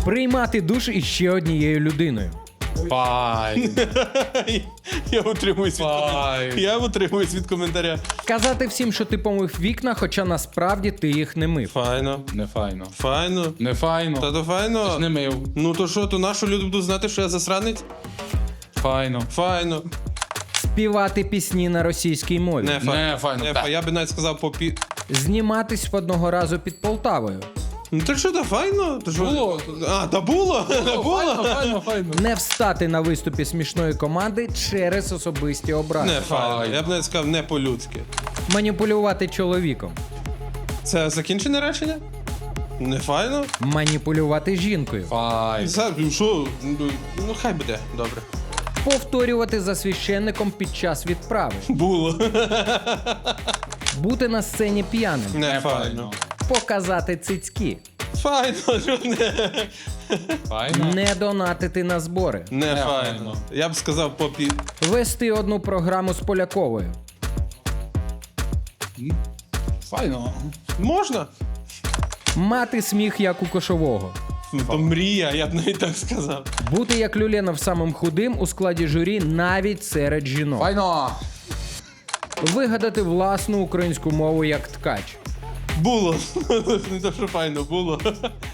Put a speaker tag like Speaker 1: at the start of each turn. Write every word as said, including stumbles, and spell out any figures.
Speaker 1: Приймати душ із ще однією людиною.
Speaker 2: Файн.
Speaker 3: Я утримуюсь від коментаря.
Speaker 2: Файн.
Speaker 3: Я утримуюсь від коментаря.
Speaker 1: Казати всім, що ти помив вікна, хоча насправді ти їх не мив.
Speaker 3: Файно.
Speaker 2: Не файно.
Speaker 3: Файно.
Speaker 2: Не файно.
Speaker 3: Та то файно.
Speaker 2: Не мив.
Speaker 3: Ну то що, то нашу люди будуть знати, що я засранець?
Speaker 2: Файно.
Speaker 3: Файно.
Speaker 1: Співати пісні на російській мові.
Speaker 3: Не файно.
Speaker 2: Не файно.
Speaker 3: Не
Speaker 2: Так.
Speaker 3: файно. Я би навіть сказав по пі...
Speaker 1: Зніматись одного разу під Полтавою.
Speaker 3: Ну то що, то файно? То що?
Speaker 2: Було.
Speaker 3: А, та було? Та було?
Speaker 2: Файно, файно, файно.
Speaker 1: Не встати на виступі смішної команди через особисті образи.
Speaker 3: Не файно.
Speaker 2: Файно.
Speaker 3: Я б навіть сказав не по-людськи.
Speaker 1: Маніпулювати чоловіком.
Speaker 3: Це закінчене речення? Не файно?
Speaker 1: Маніпулювати жінкою.
Speaker 2: Файн.
Speaker 3: За- ну, Що? Ну, ну хай буде. Добре.
Speaker 1: Повторювати за священником під час відправи.
Speaker 3: Було.
Speaker 1: Бути на сцені п'яним.
Speaker 3: Не
Speaker 2: Не
Speaker 3: файно.
Speaker 2: файно.
Speaker 1: Показати цицьки.
Speaker 3: Файно. ну, Не,
Speaker 2: Файно.
Speaker 1: Не донатити на збори.
Speaker 3: не
Speaker 2: Не
Speaker 3: файно.
Speaker 2: файно.
Speaker 3: Я б сказав по пі...
Speaker 1: Вести одну програму з Поляковою.
Speaker 2: Файно.
Speaker 3: Можна?
Speaker 1: Мати сміх, як у кошового.
Speaker 3: Ну, то мрія, я б навіть так сказав.
Speaker 1: Бути як Люленов самим худим у складі журі навіть серед жінок.
Speaker 2: Файно.
Speaker 1: Вигадати власну українську мову як ткач.
Speaker 3: Було. Не то, що файно, було.